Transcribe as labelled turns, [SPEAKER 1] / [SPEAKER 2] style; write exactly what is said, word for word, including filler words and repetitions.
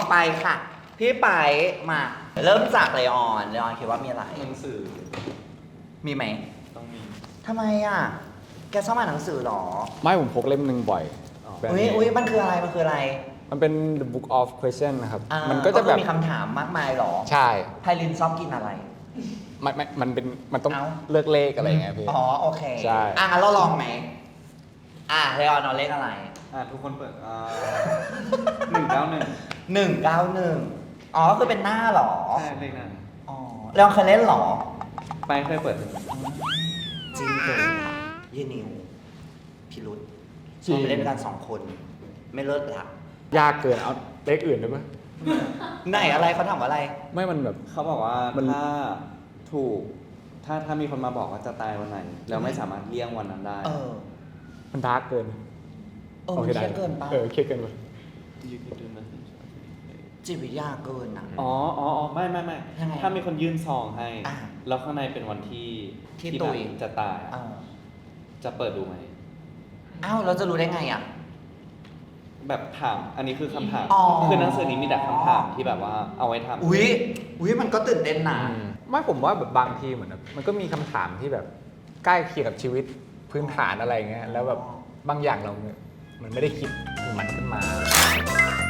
[SPEAKER 1] ไปค่ะพี่ไปมาเริ่มจากเลออนเลออนคิดว่ามีอะไร
[SPEAKER 2] หนังสือ
[SPEAKER 1] มีไหม
[SPEAKER 2] ต้องมี
[SPEAKER 1] ทำไมอ่ะแกชอบอ่านหนังสือหรอ
[SPEAKER 3] ไม่ผมพกเล่มหนึ่งบ่อยแบรนด์
[SPEAKER 1] อุ้ย
[SPEAKER 3] เนม
[SPEAKER 1] อุ้ยมันคืออะไรมันคืออะไร
[SPEAKER 3] มันเป็น The Book of Question นะครับ
[SPEAKER 1] อ่า
[SPEAKER 3] มันก็จะแบบ
[SPEAKER 1] คือมีคำถามมากมายหรอ
[SPEAKER 3] ใช่
[SPEAKER 1] ไพลินชอบกินอะไร
[SPEAKER 3] มันมันมันเป็นมันต้อง
[SPEAKER 1] เอ้า
[SPEAKER 3] เลือกเลขอะไรอย่างเงี้ยพี่
[SPEAKER 1] อ๋อโอเค
[SPEAKER 3] ใช่
[SPEAKER 1] อ่ะงั้นเราลองไหมอ่ะเลออนเอาเลขอะไร
[SPEAKER 2] อ่าทุกคนเปิดอ่าหนึ่งเก้าหนึ่ง
[SPEAKER 1] หนึ่งเก้าหนึ่งอ๋อก็คือเป็นหน้าหรอ
[SPEAKER 2] ใช่เลขนั้น
[SPEAKER 1] อ๋อเลออนเคยเล่นหรอ
[SPEAKER 2] ไปเคยเปิด
[SPEAKER 1] จริงเกินค่ะยี่นิวพิรุษชอบไปเล่นด้วยกันสองคน ไม่เลิกละ
[SPEAKER 3] ยากเกินเอาเลขอื่นได้ปะ
[SPEAKER 1] ไหนอะไรเขาถามว่าอะไร
[SPEAKER 3] ไม่มันแบบ
[SPEAKER 2] เขาบอกว่า
[SPEAKER 3] มัน
[SPEAKER 2] ถ้าถูก ถ้าถ้ามีคนมาบอกว่าจะตายวันไหน แล้วไม่สามารถเลี่ยงวันนั้นได้
[SPEAKER 1] เออ
[SPEAKER 3] มันดาร์กเกิน
[SPEAKER 1] เออมันเครียดเกินปะ
[SPEAKER 3] เออเครียดเกินไป
[SPEAKER 2] You can do nothing
[SPEAKER 1] จิตวิทยาเกินอ่ะ
[SPEAKER 2] อ๋ออ๋ออ๋อไม่ไม่ไม่
[SPEAKER 1] ยังไง
[SPEAKER 2] ถ้ามีคนยื่นซองให้
[SPEAKER 1] อ่า
[SPEAKER 2] แล้วข้างในเป็นวันที่
[SPEAKER 1] ที่
[SPEAKER 2] ที่
[SPEAKER 1] ตุ๋ย
[SPEAKER 2] แบบจะตายอะ
[SPEAKER 1] เออ
[SPEAKER 2] จะเปิดดูไหม
[SPEAKER 1] อ้าวเราจะรู้ได้ไงอ่ะ
[SPEAKER 2] แบบถาม อันนี้คือคำถาม
[SPEAKER 1] อ๋อ
[SPEAKER 2] คือหนังสือนี้มีแต่คำถามที่แบบว่าเอาไว้ทำ
[SPEAKER 1] อุ้ยอุ้ยมันก็ตื่นเต้นนะ
[SPEAKER 3] ไม่ผมว่าแบบบางทีเหมือนแบบมันก็มีคำถามที่แบบใกล้เคียงกับชีวิตพื้นฐานอะไรเงี้ยแล้วแบบบางอย่างเราเนี่ยมันไม่ได้คิดถึงมันขึ้นมา